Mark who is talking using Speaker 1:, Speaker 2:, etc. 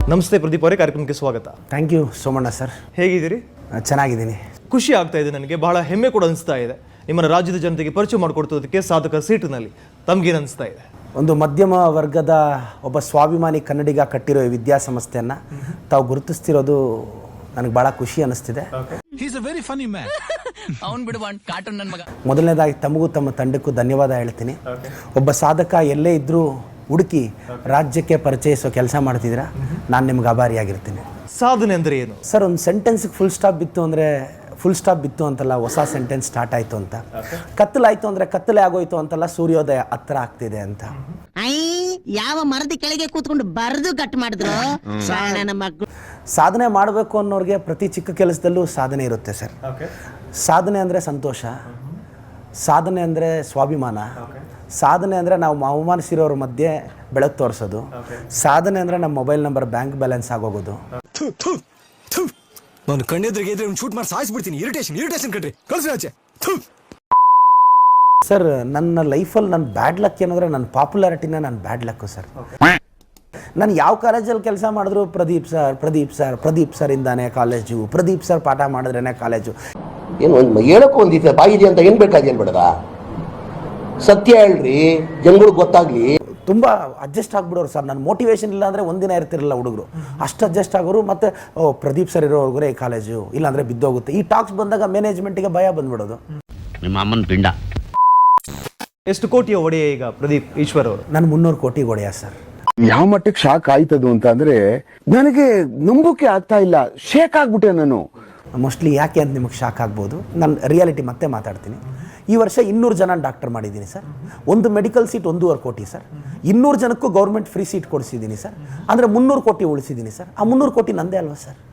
Speaker 1: ನಮಸ್ತೆ ಪ್ರದೀಪ್ ಅವರೇ, ಕಾರ್ಯಕ್ರಮಕ್ಕೆ ಸ್ವಾಗತ.
Speaker 2: Thank you Somanna sir.
Speaker 1: ಹೇಗಿದ್ದೀರಿ?
Speaker 2: ಚೆನ್ನಾಗಿದ್ದೀನಿ.
Speaker 1: ಖುಷಿ ಆಗ್ತಾ ಇದೆ, ನನಗೆ ಬಹಳ ಹೆಮ್ಮೆ ಕೂಡ ಅನಿಸ್ತಾ ಇದೆ. ನಿಮ್ಮನ್ನು ರಾಜ್ಯದ ಜನತೆಗೆ ಪರಿಚಯ ಮಾಡಿಕೊಡ್ತೋದಕ್ಕೆ ಸಾಧಕ ಸೀಟಿನಲ್ಲಿ ತಮಗೇನು ಅನಿಸ್ತಾ ಇದೆ?
Speaker 2: ಒಂದು ಮಧ್ಯಮ ವರ್ಗದ ಒಬ್ಬ ಸ್ವಾಭಿಮಾನಿ ಕನ್ನಡಿಗ ಕಟ್ಟಿರೋ ಈ ವಿದ್ಯಾಸಂಸ್ಥೆಯನ್ನು ತಾವು ಗುರುತಿಸ್ತಿರೋದು ನನಗೆ ಭಾಳ ಖುಷಿ ಅನ್ನಿಸ್ತಿದೆ. ಮೊದಲನೇದಾಗಿ ತಮಗೂ ತಮ್ಮ ತಂಡಕ್ಕೂ ಧನ್ಯವಾದ ಹೇಳ್ತೀನಿ. ಒಬ್ಬ ಸಾಧಕ ಎಲ್ಲೇ ಇದ್ದರೂ ಹುಡುಕಿ ರಾಜ್ಯಕ್ಕೆ ಪರಿಚಯಿಸೋ ಕೆಲಸ ಮಾಡ್ತಿದ್ದೀರಾ, ನಾನು ನಿಮ್ಗೆ ಆಭಾರಿಯಾಗಿರ್ತೀನಿ.
Speaker 1: ಸಾಧನೆ ಅಂದರೆ ಏನು
Speaker 2: ಸರ್? ಒಂದು ಸೆಂಟೆನ್ಸ್ಗೆ ಫುಲ್ ಸ್ಟಾಪ್ ಬಿತ್ತು ಅಂತಲ್ಲ, ಹೊಸ ಸೆಂಟೆನ್ಸ್ ಸ್ಟಾರ್ಟ್ ಆಯಿತು ಅಂತ. ಕತ್ತಲಾಯಿತು ಅಂದರೆ ಕತ್ತಲೆ ಆಗೋಯ್ತು ಅಂತಲ್ಲ, ಸೂರ್ಯೋದಯ ಹತ್ರ ಆಗ್ತಿದೆ ಅಂತ.
Speaker 3: ಯಾವ ಮರದ ಕೆಳಗೆ ಕೂತ್ಕೊಂಡು ಬರೆದು ಕಟ್ ಮಾಡಿದ್ರು.
Speaker 2: ಸಾಧನೆ ಮಾಡಬೇಕು ಅನ್ನೋರಿಗೆ ಪ್ರತಿ ಚಿಕ್ಕ ಕೆಲಸದಲ್ಲೂ ಸಾಧನೆ ಇರುತ್ತೆ ಸರ್. ಸಾಧನೆ ಅಂದರೆ ಸಂತೋಷ, ಸಾಧನೆ ಅಂದರೆ ಸ್ವಾಭಿಮಾನ, ಸಾಧನೆ ಅಂದರೆ ನಾವು ಅವಮಾನಿಸಿರೋರ ಮಧ್ಯೆ ಬೆಳಕು ತೋರಿಸೋದು, ಸಾಧನೆ ಅಂದರೆ ನಮ್ಮ ಮೊಬೈಲ್ ನಂಬರ್ ಬ್ಯಾಂಕ್ ಬ್ಯಾಲೆನ್ಸ್ ಆಗೋಗೋದು.
Speaker 4: ನಾನು ಕಣ್ಣೆದ್ರಿಗೆ ಇದ್ರೆ ಶೂಟ್ ಮಾಡಿ ಸಾಯಿಸ್ಬಿಡ್ತೀನಿ. ಇರಿಟೇಷನ್ ಕಣ್ರಿ, ಕಳ್ಸಿ.
Speaker 2: ಸರ್, ನನ್ನ ಲೈಫಲ್ಲಿ ನನ್ನ ಬ್ಯಾಡ್ ಲಕ್ ಏನಂದರೆ ನನ್ನ ಪಾಪ್ಯುಲಾರಿಟಿನ ನನ್ನ ಬ್ಯಾಡ್ ಲಕ್ಕು ಸರ್. ನಾನು ಯಾವ ಕಾಲೇಜಲ್ಲಿ ಕೆಲಸ ಮಾಡಿದ್ರು ಪ್ರದೀಪ್ ಸರ್ ಇಂದಾನೆ ಕಾಲೇಜು, ಪ್ರದೀಪ್ ಸರ್ ಪಾಠ ಮಾಡಿದ್ರೇ ಕಾಲೇಜು.
Speaker 5: ಏನು ಒಂದು ಹೇಳೋಕ್ಕೂ ಒಂದಿದೆ ಬಾಯಿದೆ ಅಂತ ಏನು ಬೇಕಾದೇನು ಬೇಡದ, ಸತ್ಯ ಹೇಳ್ರಿ, ಜನಗಳಿಗೆ ಗೊತ್ತಾಗ್ಲಿ.
Speaker 2: ತುಂಬ ಅಡ್ಜಸ್ಟ್ ಆಗ್ಬಿಡೋರು ಸರ್. ನನ್ನ ಮೋಟಿವೇಶನ್ ಇಲ್ಲ ಅಂದರೆ ಒಂದಿನ ಇರ್ತಿರಲಿಲ್ಲ ಹುಡುಗರು, ಅಷ್ಟು ಅಡ್ಜಸ್ಟ್ ಆಗೋರು. ಮತ್ತು ಪ್ರದೀಪ್ ಸರ್ ಇರೋರ್ಗರೆ ಈ ಕಾಲೇಜು ಇಲ್ಲಾಂದರೆ ಬಿದ್ದೋಗುತ್ತೆ. ಈ ಟಾಕ್ಸ್ ಬಂದಾಗ ಮ್ಯಾನೇಜ್ಮೆಂಟಿಗೆ ಭಯ ಬಂದ್ಬಿಡೋದು.
Speaker 6: ನಿಮ್ಮ ಅಮ್ಮನ ಪಿಂಡ.
Speaker 1: ಎಷ್ಟು ಕೋಟಿಯ ಒಡೆಯ ಈಗ ಪ್ರದೀಪ್ ಈಶ್ವರ್ ಅವರು?
Speaker 2: ನಾನು 300 ಕೋಟಿ ಒಡೆಯ ಸರ್.
Speaker 7: ಯಾವ ಮಟ್ಟಕ್ಕೆ ಶಾಕ್ ಆಯ್ತದು ಅಂತ ಅಂದ್ರೆ ನನಗೆ ನಂಬೋಕೆ ಆಗ್ತಾ ಇಲ್ಲ, ಶೇಕ್ ಆಗ್ಬಿಟ್ಟೆ ನಾನು.
Speaker 2: ಮೋಸ್ಟ್ಲಿ ಯಾಕೆ ಅಂತ ನಿಮಗೆ ಶಾಕ್ ಆಗ್ಬೋದು. ನಾನು ರಿಯಾಲಿಟಿ ಮತ್ತೆ ಮಾತಾಡ್ತೀನಿ. ಈ ವರ್ಷ 200 ಜನ ಡಾಕ್ಟರ್ ಮಾಡಿದ್ದೀನಿ ಸರ್. ಒಂದು ಮೆಡಿಕಲ್ ಸೀಟ್ 1.5 ಕೋಟಿ ಸರ್. 200 ಜನಕ್ಕೂ ಗೌರ್ಮೆಂಟ್ ಫ್ರೀ ಸೀಟ್ ಕೊಡಿಸಿದ್ದೀನಿ ಸರ್. ಅಂದರೆ 300 ಕೋಟಿ ಉಳಿಸಿದ್ದೀನಿ ಸರ್. ಆ 300 ಕೋಟಿ ನಂದೇ ಅಲ್ವಾ ಸರ್?